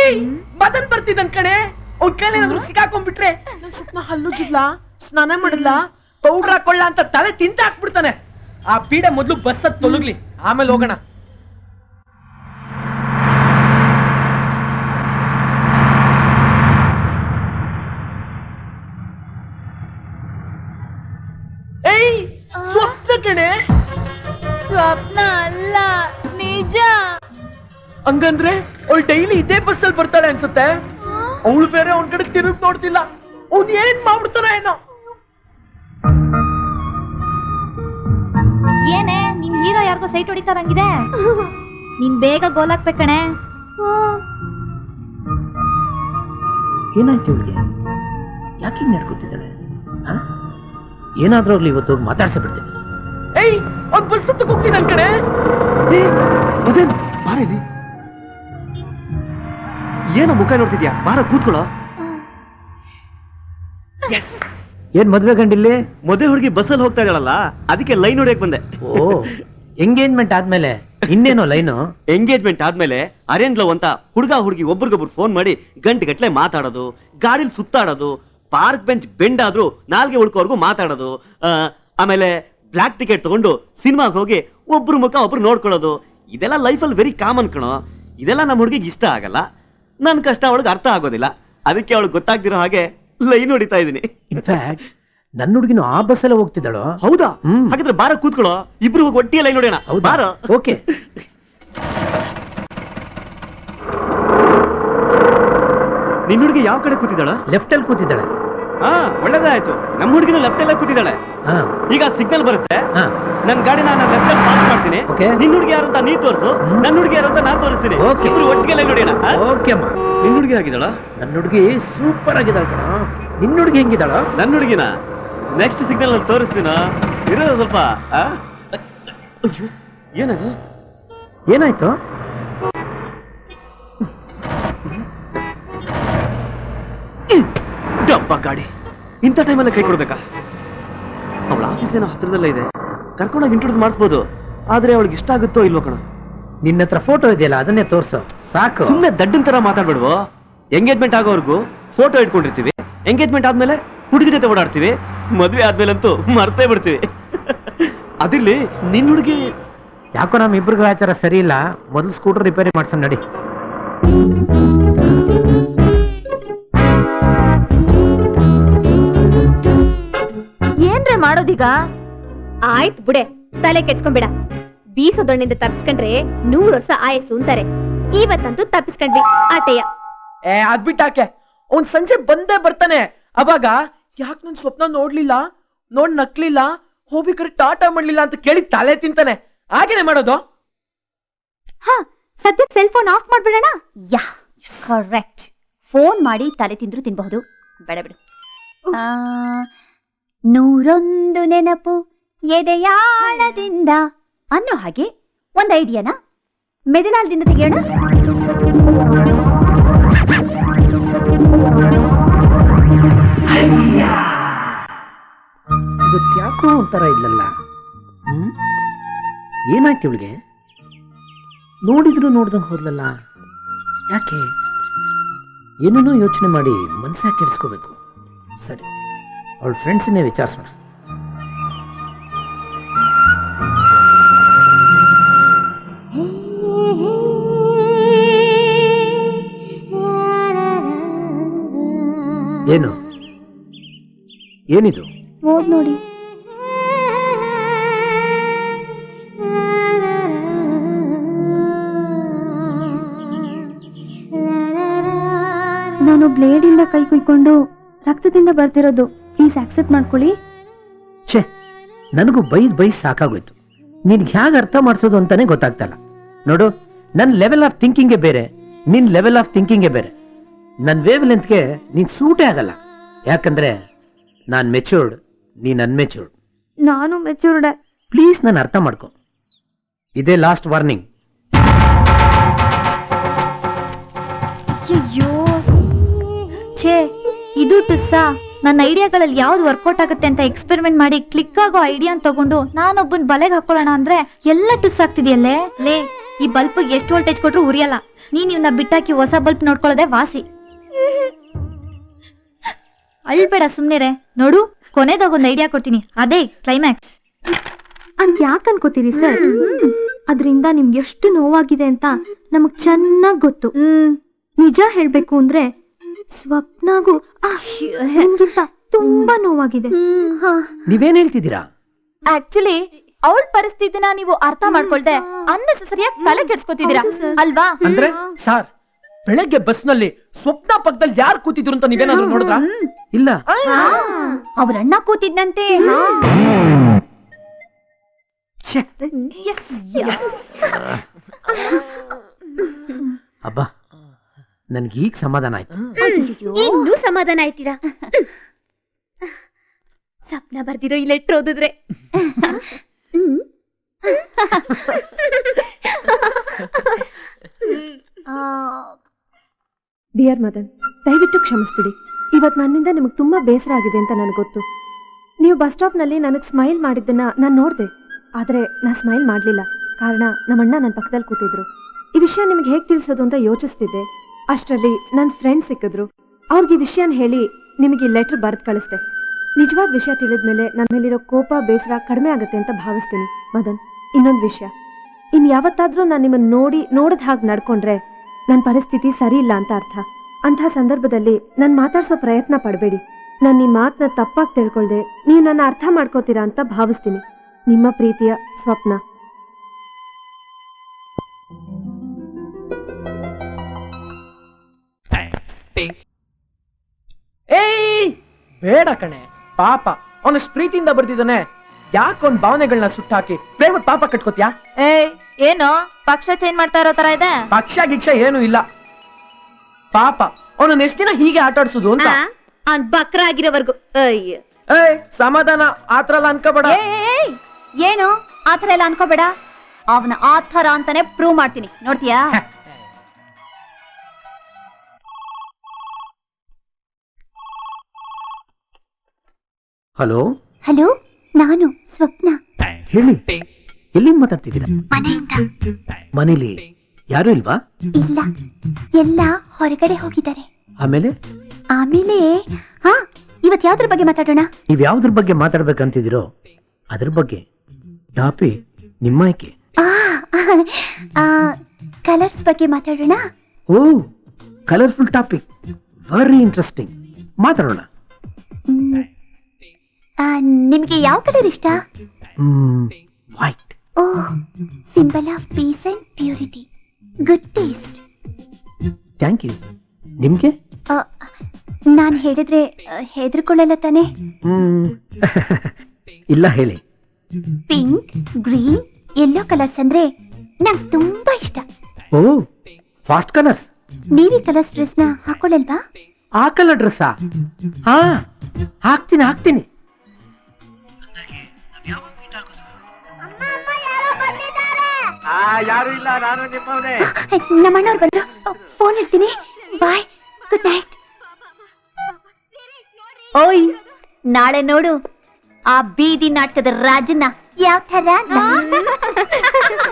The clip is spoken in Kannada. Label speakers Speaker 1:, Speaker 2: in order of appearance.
Speaker 1: ಮದನ್ ಬರ್ತಿದ್ದನ್ ಕಣೆ. ಅವ್ನ ಕೈಲಿ ಏನಾದ್ರು ಸಿಕ್ಕಾಕೊಂಡ್ಬಿಟ್ರೆ ನನ್ ಸ್ವಪ್ನ ಹಲ್ಲು ಜುದ್ಲಾ, ಸ್ನಾನ ಮಾಡಲ್ಲ, ಪೌಡ್ರ್ ಹಾಕೊಳ್ಳ ಅಂತ ತಲೆ ತಿಂತ ಹಾಕ್ಬಿಡ್ತಾನೆ. ಆ ಪೀಡೆ ಮೊದ್ಲು ಬಸ್ ಹತ್ ತೊಲಗ್ಲಿ, ಆಮೇಲೆ ಹೋಗೋಣ. ಏಯ್ ಸ್ವಪ್ನ ಕಣೆ.
Speaker 2: ಸ್ವಪ್ನ ಅಲ್ಲ, ನಿಜ.
Speaker 1: ಹಂಗಂದ್ರೆ ಅವಳು ಡೈಲಿ ಇದೇ ಬಸ್ ಅಲ್ಲಿ ಬರ್ತಾಳೆ ಅನ್ಸುತ್ತೆ. ಅವಳು ಬೇರೆ ಅವನ ಕಡೆ ತಿರುಗ್ ನೋಡ್ತಿಲ್ಲ. ಅವ್ನ್ ಏನ್ ಮಾಡ್ಬಿಡ್ತಾನ ಏನೋ.
Speaker 2: ಏನೇ ನಿನ್ ಹೀರೋ ಯಾರಿಗೋ ಸೈಟ್ ಹೊಡಿತಾರಂಗಿದೆ. ನೀನ್ ಬೇಗ ಗೋಲ್ ಹಾಕ್ಬೇಕಣೆ.
Speaker 3: ಏನಾಯ್ತು ಇವಳಿಗೆ? ಯಾಕೆ ಹಿಂಗ್ ನಡ್ಕೊತಿದ್ದಾಳೆ? ಏನಾದ್ರೂ ಆಗ್ಲಿ ಇವತ್ತು ಹೋಗಿ ಮಾತಾಡ್ಸ ಬಿಡ್ತೀನಿ.
Speaker 1: ಏಯ್ ಅವ್ನ್ ಬಸ್ ಹತ್ತಕ್ಕೆ ಹೋಗ್ತೀನಿ ನನ್ ಕಡೆ. ಬಾರ ಇಲ್ಲಿ. ಏನೋ ಮುಖ ನೋಡ್ತಿದ್ಯಾ? ಬಾರ ಕೂತ್ಕೊಳ್ಳೋ.
Speaker 3: ಏನ್ ಮದ್ವೆ ಗಂಡಿಲ್ಲಿ?
Speaker 4: ಮದುವೆ ಹುಡುಗಿ ಬಸ್ಸಲ್ಲಿ ಹೋಗ್ತಾ ಇದ್ದಾಳಲ್ಲ, ಅದಕ್ಕೆ ಲೈನ್ ಹೊಡಿಯಕ್ ಬಂದೆ.
Speaker 3: ಓ, ಎಂಗೇಜ್ಮೆಂಟ್ ಆದ್ಮೇಲೆ ಇನ್ನೇನೋ ಲೈನು?
Speaker 4: ಎಂಗೇಜ್ಮೆಂಟ್ ಆದ್ಮೇಲೆ ಅರೇಂಜ್ ಲವ್ ಅಂತ ಹುಡುಗ ಹುಡುಗಿ ಒಬ್ರಿಗೊಬ್ರು ಫೋನ್ ಮಾಡಿ ಗಂಟೆ ಮಾತಾಡೋದು, ಗಾಡಿಲಿ ಸುತ್ತಾಡೋದು, ಪಾರ್ಕ್ ಬೆಂಚ್ ಬೆಂಡ್ ಆದ್ರೂ ನಾಲ್ಗೆ ಉಳ್ಕೋವರೆಗೂ ಮಾತಾಡೋದು, ಆಮೇಲೆ ಬ್ಲಾಕ್ ಟಿಕೆಟ್ ತಗೊಂಡು ಸಿನಿಮಾಗೆ ಹೋಗಿ ಒಬ್ರು ಮುಖ ಒಬ್ರು ನೋಡ್ಕೊಳ್ಳೋದು. ಇದೆಲ್ಲ ಲೈಫಲ್ಲಿ ವೆರಿ ಕಾಮನ್ ಕಣೋ. ಇದೆಲ್ಲ ನಮ್ಮ ಹುಡುಗಿಗೆ ಇಷ್ಟ ಆಗಲ್ಲ. ನನ್ನ ಕಷ್ಟ ಅವಳಿಗೆ ಅರ್ಥ ಆಗೋದಿಲ್ಲ. ಅದಕ್ಕೆ ಅವಳಿಗೆ ಗೊತ್ತಾಗ್ದಿರೋ ಹಾಗೆ ಲೈನ್ ಹೊಡಿತಾ ಇದೀನಿ.
Speaker 3: ಇನ್ಫ್ಯಾಕ್ಟ್ ನನ್ನ ಹುಡುಗಿನ ಆ ಬಸ್ಸಲ್ಲೇ ಹೋಗ್ತಿದ್ದಾಳು.
Speaker 4: ಹೌದಾ? ಹಾಗಾದ್ರೆ ಬಾರ ಕೂತ್ಕೊಳ್ಳೋ, ಇಬ್ರು ಹೋಗಿ ಒಟ್ಟಿಗೆ ಲೈನ್ ಹೊಡಿಯೋಣ. ಬಾರ.
Speaker 3: ಓಕೆ.
Speaker 4: ನಿನ್ನ ಹುಡುಗಿ ಯಾವ ಕಡೆ ಕೂತಿದ್ದಾಳ?
Speaker 3: ಲೆಫ್ಟ್ ಅಲ್ಲಿ ಕೂತಿದ್ದಾಳೆ.
Speaker 4: ಒಳ್ಳೇದಾಯ್ತು. ನಮ್ಮ ಹುಡುಗಿನ ಲೆಫ್ಟ್ ಅಲ್ಲೇ ಕೂತಿದ್ದಾಳೆ. ಈಗ ಸಿಗ್ನಲ್ ಬರುತ್ತೆ, ನನ್ ಗಾಡಿನ ನಾನು ಲೆಫ್ಟ್ ಅಲ್ಲಿ ಪಾಸ್ ಮಾಡ್ತೀನಿ. ನಿನ್ನ ಹುಡುಗಿ ಯಾರು ಅಂತ ನೀ ತೋರಿಸು, ನನ್ನ ಹುಡುಗಿ ಯಾರು ಅಂತ ನಾನು ತೋರಿಸ್ತೀನಿ. ಇಬ್ರು ಒಟ್ಟಿಗೆ ಲೈನ್ ಹೊಡಿಯೋಣ.
Speaker 3: ಓಕೆ ಅಮ್ಮ.
Speaker 4: ನಿನ್ನ ಹುಡುಗಿ ಆಗಿದ್ದಾಳ?
Speaker 3: ನನ್ನ ಹುಡುಗಿ ಸೂಪರ್ ಆಗಿದ್ದಾಳ ಕಣ. ನಿನ್ನ ಹುಡುಗಿ ಹೆಂಗಿದ್ದಾಳ?
Speaker 4: ನನ್ನ ಹುಡುಗಿನ ನೆಕ್ಸ್ಟ್ ಸಿಗ್ನಲ್ ಅಲ್ಲಿ ತೋರಿಸ್ತೀನ. ಇರೋದು ಸ್ವಲ್ಪ. ಏನದು?
Speaker 3: ಏನಾಯ್ತು?
Speaker 4: ಡಬ್ಬ ಗಾಡಿ ಇಂಥ ಟೈಮಲ್ಲಿ ಕೈ ಕೊಡ್ಬೇಕಾ? ಅವಳ ಆಫೀಸ್ ಏನೋ ಹತ್ರದಲ್ಲೇ ಇದೆ, ಕರ್ಕೊಂಡೋಗಿ ಇಂಟ್ರೊಡ್ಯೂಸ್ ಮಾಡಿಸ್ಬೋದು. ಆದ್ರೆ ಅವಳಿಗೆ ಇಷ್ಟ ಆಗುತ್ತೋ ಇಲ್ವೋ ಕಣ.
Speaker 3: ನಿನ್ನ ಹತ್ರ ಫೋಟೋ ಇದೆಯಲ್ಲ, ಅದನ್ನೇ ತೋರ್ಸು ಸಾಕು.
Speaker 4: ಸುಮ್ಮನೆ ದಡ್ಡನ್ ತರ ಮಾತಾಡ್ಬೇಡ್ವೋ. ಎಂಗೇಜ್ಮೆಂಟ್ ಆಗೋವರೆಗೂ ಫೋಟೋ ಇಟ್ಕೊಂಡಿರ್ತೀವಿ, ಎಂಗೇಜ್ಮೆಂಟ್ ಆದ್ಮೇಲೆ ಹುಡುಗಿ ಜೊತೆ ಓಡಾಡ್ತೀವಿ, ಮದ್ವೆ ಆದ್ಮೇಲಂತೂ ಮರ್ತೇ ಬಿಡ್ತೀವಿ. ಅದಿರ್ಲಿ, ನಿನ್ನ ಹುಡುಗಿ
Speaker 3: ಯಾಕೋ ನಮ್ಮ ಇಬ್ರಿಗೂ ಆಚಾರ ಸರಿ ಇಲ್ಲ. ಮೊದಲು ಸ್ಕೂಟರ್ ರಿಪೇರಿ ಮಾಡ್ಸೋಣ ನಡಿ.
Speaker 2: ಏನ್ರೆ ಮಾಡೋದೀಗ? ಆಯ್ತು ಬಿಡೆ, ತಲೆ ಕೆಡ್ಸ್ಕೊಂಬೇಡ. ಬೀಸೋದೊಣ್ಣಿಂದ ತಪ್ಪಿಸ್ಕೊಂಡ್ರೆ 100 ವರ್ಷ ಆಯಸ್ಸು ಅಂತಾರೆ. ಇವತ್ತಂತೂ ತಪ್ಪಿಸ್ಕೊಂಡ್ವಿ ಆಟೆಯ.
Speaker 1: ಅದ್ಬಿಟ್ಟಾಕೆ ಅವ್ನ್ ಸಂಜೆ ಬಂದೇ ಬರ್ತಾನೆ. ಅವಾಗ ಯಾಕೆ ನನ್ ಸ್ವಪ್ನ ನೋಡ್ಲಿಲ್ಲ, ನಕ್ಲಿಲ್ಲ, ಹೋಗ್ಬೇಕಾದ್ರೆ ಟಾಟಾ ಮಾಡ್ಲಿಲ್ಲ ಅಂತ ಕೇಳಿ ತಲೆ ತಿಂತಾನೆ. ಹಾಗೇನೆ ಮಾಡೋದು.
Speaker 2: ಸದ್ಯಕ್ಕೆ ಸೆಲ್ ಫೋನ್ ಆಫ್ ಮಾಡ್ಬಿಡೋಣ. Yeah correct. ಫೋನ್ ಮಾಡಿ ತಲೆ ತಿಂದ್ರು ತಿನ್ಬಹುದು. ಬೇಡ ಬಿಡು. 101 ನೆನಪು ಎದೆಯಾಳದಿಂದ ಅನ್ನೋ ಹಾಗೆ ಒಂದ್ ಐಡಿಯಾನ ಮೆದುಳಾಳದಿಂದ ತೆಗೆಯೋಣ.
Speaker 3: ಇವತ್ತು ಯಾಕೋ ಒಂಥರ ಇಲ್ಲಲ್ಲ. ಏನಾಯ್ತು ಇವಳಿಗೆ? ನೋಡಿದ್ರು ನೋಡ್ದಂಗೆ ಹೋದ್ಲಲ್ಲ, ಯಾಕೆ? ಏನೇನೋ ಯೋಚನೆ ಮಾಡಿ ಮನಸ್ಸಾಗ ಕೆಡಿಸ್ಕೋಬೇಕು. ಸರಿ, ಅವಳ ಫ್ರೆಂಡ್ಸನ್ನೇ ವಿಚಾರಿಸೋಣ. ಏನು ಏನಿದು?
Speaker 2: ಓದ್ ನೋಡಿ. ನಾನು ಬ್ಲೇಡಿಂದ ಕೈ ಕುಯ್ಕೊಂಡು ರಕ್ತದಿಂದ ಬರ್ತಿರೋದು. ಪ್ಲೀಸ್ ಆಕ್ಸೆಪ್ಟ್ ಮಾಡ್ಕೊಳ್ಳಿ.
Speaker 3: ಛೇ, ನನಗೂ ಬೈದ್ ಸಾಕಾಗೋಯ್ತು. ನಿನ್ಗೆ ಹೇಗೆ ಅರ್ಥ ಮಾಡಿಸೋದು ಅಂತಾನೆ ಗೊತ್ತಾಗ್ತಲ್ಲ. ನೋಡು, ನನ್ನ ಲೆವೆಲ್ ಆಫ್ ಥಿಂಕಿಂಗೇ ಬೇರೆ, ನಿನ್ ಲೆವೆಲ್ ಆಫ್ ಥಿಂಕಿಂಗೇ ಬೇರೆ. ನನ್ನ ವೇವ್ ಲೆಂತ್ಗೆ ನೀನ್ ಸೂಟೇ ಆಗಲ್ಲ. ಯಾಕಂದ್ರೆ ನಾನು ಮೆಚೂರ್ಡ್, ನೀನ್ ಅನ್ಮೆಚೂರ್ಡ್.
Speaker 2: ನಾನು ಮೆಚೂರ್ಡ್.
Speaker 3: ಪ್ಲೀಸ್ ನಾನು ಅರ್ಥ ಮಾಡ್ಕೊ. ಇದೇ ಲಾಸ್ಟ್ ವಾರ್ನಿಂಗ್.
Speaker 2: ಅಯ್ಯೋ ಛೇ, ಇದು ಟುಸ್ಸಾ? ನನ್ನ ಐಡಿಯಾಗಳಲ್ಲಿ ಯಾವ್ದು ವರ್ಕೌಟ್ ಆಗುತ್ತೆ ಅಂತ ಎಕ್ಸ್ಪೆರಿಮೆಂಟ್ ಮಾಡಿ ಕ್ಲಿಕ್ ಆಗೋ ಐಡಿಯಾ ತಗೊಂಡು ನಾನೊಬ್ಬನ್ ಬಲೆಗೆ ಹಾಕೊಳ್ಳೋಣ ಅಂದ್ರೆ ಎಲ್ಲ ಟುಸ್ ಆಗ್ತಿದೆಯಲ್ಲೇ. ಲೇ, ಈ ಬಲ್ಪ್ ಎಷ್ಟು ವೋಲ್ಟೇಜ್ ಕೊಟ್ರು ಉರಿಯಲ್ಲ. ನೀನ್ ಇವನ್ನ ಬಿಟ್ಟಾಕಿ ಹೊಸ ಬಲ್ಪ್ ನೋಡ್ಕೊಳ್ಳೋದೇ ವಾಸಿ. ಅಳ್ಬೇಡ ಸುಮ್ನೆರೆ. ನೋಡು, ಕೊನೆದಾಗೊಂದು ಐಡಿಯಾ ಕೊಡ್ತೀನಿ, ಅದೇ ಕ್ಲೈಮ್ಯಾಕ್ಸ್.
Speaker 5: ಅಂತ ಯಾಕೆ ಅನ್ಕೋತೀರಿ ಸರ್? ಅದರಿಂದ ನಿಮ್ಗೆ ಎಷ್ಟು ನೋವಾಗಿದೆ ಅಂತ ನಮಗ್ ಚೆನ್ನಾಗ್ ಗೊತ್ತು. ನಿಜ ಹೇಳ್ಬೇಕು ಅಂದ್ರೆ ಸ್ವಪ್ನಾಗೂ ನಿಮ್ಗಿಂತ ತುಂಬಾ ನೋವಾಗಿದೆ.
Speaker 3: ನೀವೇನ್ ಹೇಳ್ತಿದ್ದೀರಾ?
Speaker 6: ಆಕ್ಚುಲಿ ಅವಳ ಪರಿಸ್ಥಿತಿನ ನೀವು ಅರ್ಥ ಮಾಡ್ಕೊಳ್ದೆ ಅನ್ನೆಸೆಸರಿಯಾಗಿ ತಲೆ ಕೆಡ್ಸ್ಕೊತಿದ್ದೀರಾ ಅಲ್ವಾ?
Speaker 1: ಅಂದ್ರೆ ಸಾರ್, ಬೆಳಗ್ಗೆ ಬಸ್ ನಲ್ಲಿ ಸ್ವಪ್ನ ಪಕ್ಕದಲ್ಲಿ ಯಾರು ಕೂತಿದ್ರು ಅಂತ ನೀವೇನಾದ್ರು ನೋಡಿದ್ರಾ?
Speaker 3: ಇಲ್ಲ.
Speaker 2: ಅವ್ರ ಅಣ್ಣ ಕೂತಿದ್ನಂತೆ.
Speaker 3: ಅಬ್ಬಾ, ನನ್ಗೆ ಈಗ ಸಮಾಧಾನ ಆಯ್ತು.
Speaker 6: ಇನ್ನೂ ಸಮಾಧಾನ ಆಯ್ತೀರಾ? ಸ್ವಪ್ನ ಬರ್ದಿರೋ ಈ ಲೆಟ್ರ್ ಓದಿದ್ರೆ
Speaker 5: ಡಿಯರ್ ಮದನ್, ದಯವಿಟ್ಟು ಕ್ಷಮಿಸ್ಬಿಡಿ. ಇವತ್ತು ನನ್ನಿಂದ ನಿಮಗೆ ತುಂಬಾ ಬೇಸರ ಆಗಿದೆ ಅಂತ ನನಗೆ ಗೊತ್ತು. ನೀವು ಬಸ್ ಸ್ಟಾಪ್ನಲ್ಲಿ ನನಗೆ ಸ್ಮೈಲ್ ಮಾಡಿದ್ದನ್ನ ನಾನು ನೋಡಿದೆ, ಆದರೆ ನಾನು ಸ್ಮೈಲ್ ಮಾಡಲಿಲ್ಲ. ಕಾರಣ ನಮ್ಮಣ್ಣ ನನ್ನ ಪಕ್ಕದಲ್ಲಿ ಕೂತಿದ್ರು. ಈ ವಿಷಯ ನಿಮಗೆ ಹೇಗೆ ತಿಳಿಸೋದು ಅಂತ ಯೋಚಿಸ್ತಿದ್ದೆ. ಅಷ್ಟರಲ್ಲಿ ನನ್ನ ಫ್ರೆಂಡ್ ಸಿಕ್ಕಿದ್ರು. ಅವ್ರಿಗೆ ಈ ವಿಷಯನ ಹೇಳಿ ನಿಮಗೆ ಲೆಟ್ರ್ ಬರೆದು ಕಳಿಸ್ದೆ. ನಿಜವಾದ ವಿಷಯ ತಿಳಿದ್ಮೇಲೆ ನನ್ನ ಮೇಲಿರೋ ಕೋಪ ಬೇಸರ ಕಡಿಮೆ ಆಗುತ್ತೆ ಅಂತ ಭಾವಿಸ್ತೀನಿ. ಮದನ್, ಇನ್ನೊಂದು ವಿಷಯ, ಇನ್ನು ಯಾವತ್ತಾದ್ರೂ ನಾನು ನಿಮ್ಮನ್ನು ನೋಡಿದ ಹಾಗೆ ನಡ್ಕೊಂಡ್ರೆ ನನ್ನ ಪರಿಸ್ಥಿತಿ ಸರಿ ಇಲ್ಲ ಅಂತ ಅರ್ಥ. ಅಂತಹ ಸಂದರ್ಭದಲ್ಲಿ ನಾನು ಮಾತಾಡ್ಸೋ ಪ್ರಯತ್ನ ಪಡಬೇಡಿ. ನಾನು ನಿಮ್ಮ ಮಾತನ್ನ ತಪ್ಪಾಗಿ ತಿಳ್ಕೊಳ್ದೆ ನೀವು ನನ್ನ ಅರ್ಥ ಮಾಡ್ಕೋತೀರಾ ಅಂತ ಭಾವಿಸ್ತೀನಿ. ನಿಮ್ಮ ಪ್ರೀತಿಯ ಸ್ವಪ್ನ.
Speaker 1: ಏಯ್ ಬೇಡ ಕಣೆ, ಪಾಪ ಅವನಷ್ಟು ಪ್ರೀತಿಯಿಂದ ಬರ್ದಿದ್ದಾನೆ. ಯಾಕೊಂದ್ ಭಾವನೆಗಳನ್ನ ಸುಟ್ಟಾಕಿ ಪ್ರೇಮದ ಪಾಪ ಕಟ್ಕೋತ್ಯಾ?
Speaker 6: ಏನೋ ಪಕ್ಷ ಚೇಂಜ್ ಮಾಡ್ತಾ ಇರೋ ತರ ಇದೆ.
Speaker 1: ಪಕ್ಷ ಗಿಕ್ಷ ಏನು ಇಲ್ಲ. ಪಾಪ ಅವನನ್ನ ಎಷ್ಟ್ ದಿನ ಹೀಗೆ ಆಟ ಆಡ್ಸುದು ಅಂತ.
Speaker 6: ಅವ್ನ್ ಬಕ್ರ ಆಗಿರೋವರ್ಗು. ಅಯ್ಯ,
Speaker 1: ಏಯ್ ಸಮಾಧಾನ, ಆತರ ಎಲ್ಲ ಅನ್ಕೋಬೇಡ.
Speaker 2: ಏನು ಆತರ ಎಲ್ಲ ಅನ್ಕೋಬೇಡ. ಅವನ ಆತರ ಅಂತಾನೆ ಪ್ರೂವ್ ಮಾಡ್ತೀನಿ, ನೋಡ್ತೀಯಾ?
Speaker 3: ಹಲೋ
Speaker 5: ಹಲೋ, ನಾನು ಸ್ವಪ್ನ.
Speaker 3: ಹೇಳಿ, ಎಲ್ಲಿಂದ ಮಾತಾಡ್ತಿದ್ದೀರಾ? ಮನೇಲಿ ಯಾರು ಇಲ್ವಾ?
Speaker 5: ಇಲ್ಲ, ಎಲ್ಲ ಹೊರಗಡೆ ಹೋಗಿದ್ದಾರೆ.
Speaker 3: ಆಮೇಲೆ
Speaker 5: ಆಮೇಲೆ ಇವತ್ತು ಯಾವ್ದ್ರ ಬಗ್ಗೆ ಮಾತಾಡೋಣ?
Speaker 3: ನೀವ್ ಯಾವ್ದ್ರ ಬಗ್ಗೆ ಮಾತಾಡ್ಬೇಕಂತಿದ್ದೀರೋ ಅದ್ರ ಬಗ್ಗೆ. ಟಾಪಿಕ್ ನಿಮ್ಮ ಆಯ್ಕೆ.
Speaker 5: ಕಲರ್ಸ್ ಬಗ್ಗೆ ಮಾತಾಡೋಣ.
Speaker 3: ಓ, ಕಲರ್ಫುಲ್ ಟಾಪಿಕ್, ವೆರಿ ಇಂಟ್ರೆಸ್ಟಿಂಗ್. ಮಾತಾಡೋಣ.
Speaker 5: ನಿಮ್ಗೆ ಯಾವ ಕಲರ್ ಇಷ್ಟ?
Speaker 3: ವೈಟ್.
Speaker 5: ಓ, symbol of peace and purity. Good taste.
Speaker 3: Thank you. ನಿಮ್ಗೆ?
Speaker 5: ನಾನು ಹೇಳಿದ್ರೆ ಹೆದರ್ಕೊಳ್ಳಲ್ಲ ತಾನೆ?
Speaker 3: ಇಲ್ಲ, ಹೇಳಿ.
Speaker 5: ಪಿಂಕ್, ಗ್ರೀನ್, ಯೆಲ್ಲೋ ಕಲರ್ಸ್ ಅಂದ್ರೆ ನಂಗೆ ತುಂಬಾ ಇಷ್ಟ.
Speaker 3: ಓ, ಫಾಸ್ಟ್ ಕಲರ್ಸ್.
Speaker 5: ನೀವೀ ಕಲರ್ಸ್ ಡ್ರೆಸ್ ನ ಹಾಕೊಳ್ಳಲ್ವಾ?
Speaker 3: ಆ ಕಲರ್ ಡ್ರೆಸ್ಸಾ? ಹಾ, ಹಾಕ್ತೀನಿ.
Speaker 1: ಯಾರು ಇಲ್ಲ, ನಾನು ನಿಮ್ಮವನೇ.
Speaker 5: ನಮ್ಮಣ್ಣವ್ರು ಬಂದ್ರು, ಫೋನ್ ಇಡ್ತೀನಿ. Bye, good night.
Speaker 2: ಓಯ್, ನಾಳೆ ನೋಡು ಆ ಬೀದಿ ನಾಟಕದ ರಾಜನ್ನ ಯಾವ ತರ